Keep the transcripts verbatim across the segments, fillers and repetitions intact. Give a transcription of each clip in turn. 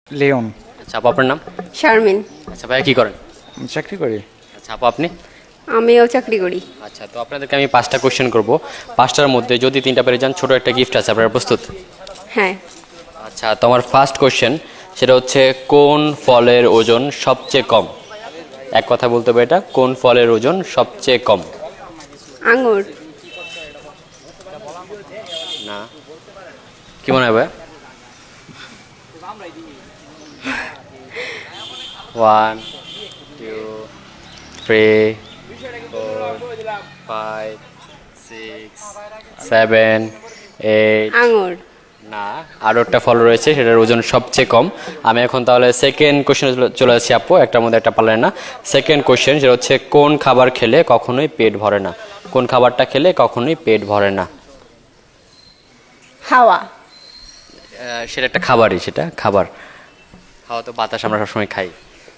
Leone. আচ্ছা আপু আপনার নাম? শারমিন। আচ্ছা ভাইয়া কি করেন? আমি চাকরি করি। আচ্ছা আপু আপনি? আমিও চাকরি করি। আচ্ছা তো আপনাদেরকে আমি পাঁচটা কোশ্চেন করব, পাঁচটার মধ্যে যদি তিনটা পেরে যান ছোট একটা গিফট আছে, আপনারা প্রস্তুত? হ্যাঁ। আচ্ছা তো আমার ফার্স্ট কোশ্চেন সেটা হচ্ছে কোন ফলের ওজন সবচেয়ে কম? এক কথা বলতে হবে, এটা কোন ফলের ওজন সবচেয়ে কম? আঙ্গুর। না, কি মনে হয় ভাই? One two three four five six seven eight. আঙ্গুর। না, আরও একটা ফল রয়েছে সেটার ওজন সবচেয়ে কম। আমি এখন তাহলে সেকেন্ড কোশ্চেনে চলে আসছি আপু, একটার মধ্যে একটা পারলেন না। সেকেন্ড কোশ্চেন সেটা হচ্ছে কোন খাবার খেলে কখনোই পেট ভরে না? কোন খাবারটা খেলে কখনোই পেট ভরে না? হাওয়া। আহ, সেটা একটা খাবারই, সেটা খাবার। খাওয়া তো বাতাস আমরা সবসময় খাই।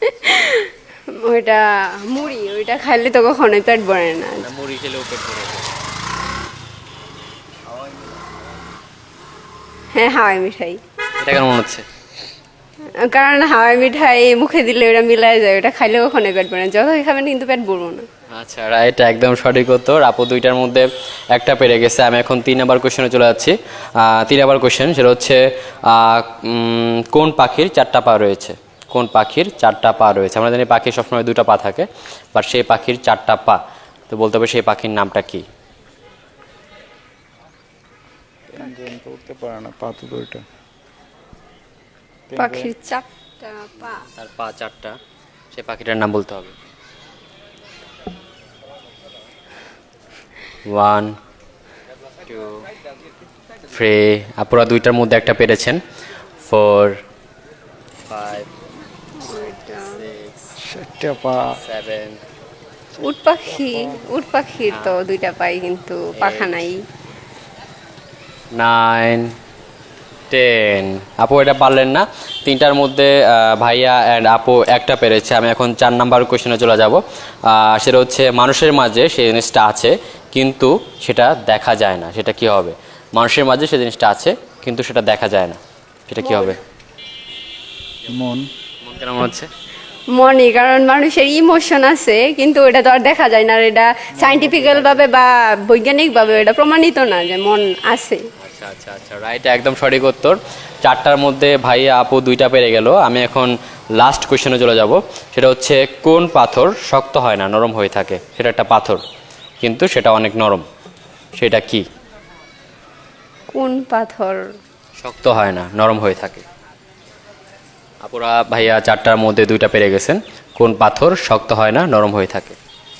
ওইটা মুড়ি, ওইটা খাইলে তো কখনোই পেট ভরে না। না, মুড়ি খেলেও পেট ভরে। হ্যাঁ, হাওয়াই মিঠাই। এটা কেন মনে হচ্ছে? কারণ হাওয়াই মিঠাই মুখে দিলে ওটা মিলাই যায়, ওটা খাইলে কখনোই পেট ভরে না, যতই খাবেন কিন্তু পেট ভরবো না। আচ্ছা রাইট, একদম সঠিক উত্তর। আপু দুইটার মধ্যে একটা পেরে গেছে। আমি এখন তিন নাম্বার কোশ্চেনে চলে যাচ্ছি। আহ, তিন নাম্বার কোশ্চেন সেটা হচ্ছে আহ, উম, কোন পাখির চারটা পা রয়েছে? কোন পাখির চারটা পা রয়েছে? আমরা জানি পাখির সবসময় দুটো পা থাকে, বাট সেই পাখির চারটা পা। তো বলতে হবে সেই পাখির নামটা কি? পেঙ্গুইন তো উঠতে পারে না, পা তো দুইটা। পাখির চারটা পা। তার পা চারটা, সেই পাখিটার নাম বলতে হবে। ওয়ান টু থ্রি, আপুরা দুইটার মধ্যে একটা পেরেছেন। ফোর ফাইভ সিক্স চারটা পা। সেভেন উট পাখি, উট পাখির তো দুইটা পাই কিন্তু পাখা নাই। Nine ten. আপু এটা পারলেন না। তিনটার মধ্যে আহ, ভাইয়া অ্যান্ড আপু একটা পেরেছে। আমি এখন চার নাম্বার কোশ্চেনে চলে যাব। আহ, সেটা হচ্ছে মানুষের মাঝে সেই জিনিসটা আছে কিন্তু সেটা দেখা যায় না, সেটা কি হবে? মানুষের মাঝে সেই জিনিসটা আছে কিন্তু সেটা দেখা যায় না, সেটা কি হবে? মন। মন কেন মনে হচ্ছে? মনে, কারণ মানুষের ইমোশন আছে কিন্তু ওটা তো আর দেখা যায় না, আর এটা সাইন্টিফিক্যাল ভাবে বা বৈজ্ঞানিক ভাবে এটা প্রমাণিত না যে মন আছে। আচ্ছা আচ্ছা আচ্ছা রাইট, একদম সঠিক উত্তর। চারটার মধ্যে ভাইয়া আপু দুইটা পেরে গেল। আমি এখন লাস্ট কোশ্চেনে চলে যাব। সেটা হচ্ছে কোন পাথর শক্ত হয় না, নরম হয়ে থাকে? সেটা একটা পাথর কিন্তু সেটা অনেক নরম, সেটা কি? কোন পাথর শক্ত হয় না, নরম হয়ে থাকে? আপুরা ভাইয়া চারটার মধ্যে দুইটা পেরে গেছেন। কোন পাথর শক্ত হয় না, নরম হয়ে থাকে?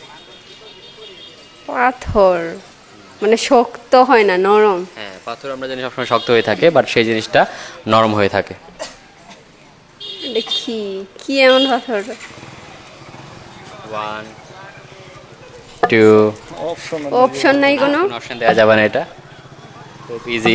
পাথর মানে শক্ত হয় না, নরম। হ্যাঁ, পাথর আমরা জানি সবসময় শক্ত হয়ে থাকে, বাট সেই জিনিসটা নরম হয়ে থাকে। এটা কি কি এমন পাথর? One two. অপশন। অপশন নাই কোনো? অপশন দেওয়া যাবে না, এটা খুব ইজি।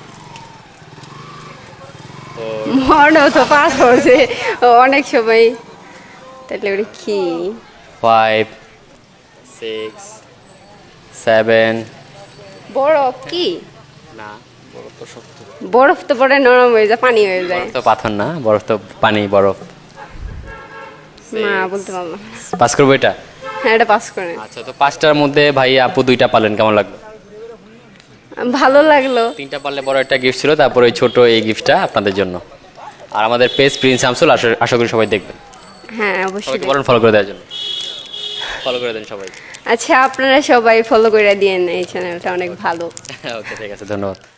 মনে তো পাথর যে অনেক সময়, তাহলে ওটা কি? Five six seven. বরফ কি? না, বড় তো শক্ত। বরফ তো পরে নরম হয়ে যায়, পানি হয়ে যায়। বরফ তো পাথর না, বরফ তো পানি, বরফ। না বলতে পারলাম না। পাস করবো এটা? হ্যাঁ, এটা পাস করে। আচ্ছা তো পাঁচটার মধ্যে ভাই আপু দুইটা পারলেন, কেমন লাগলো? ভালো লাগলো। তিনটা পারলে বড় একটা গিফট ছিল, তারপর ওই ছোট এই গিফটটা আপনাদের জন্য। আর আমাদের পেজ প্রিন্স শামসুল, আশা আশা করি সবাই দেখবেন। হ্যাঁ অবশ্যই। সবাইকে বলেন ফলো করে দেওয়ার জন্য, ফলো করে দেন সবাই। আচ্ছা, আপনারা সবাই ফলো করে দিয়েন, এই চ্যানেলটা অনেক ভালো। ওকে ঠিক আছে, ধন্যবাদ।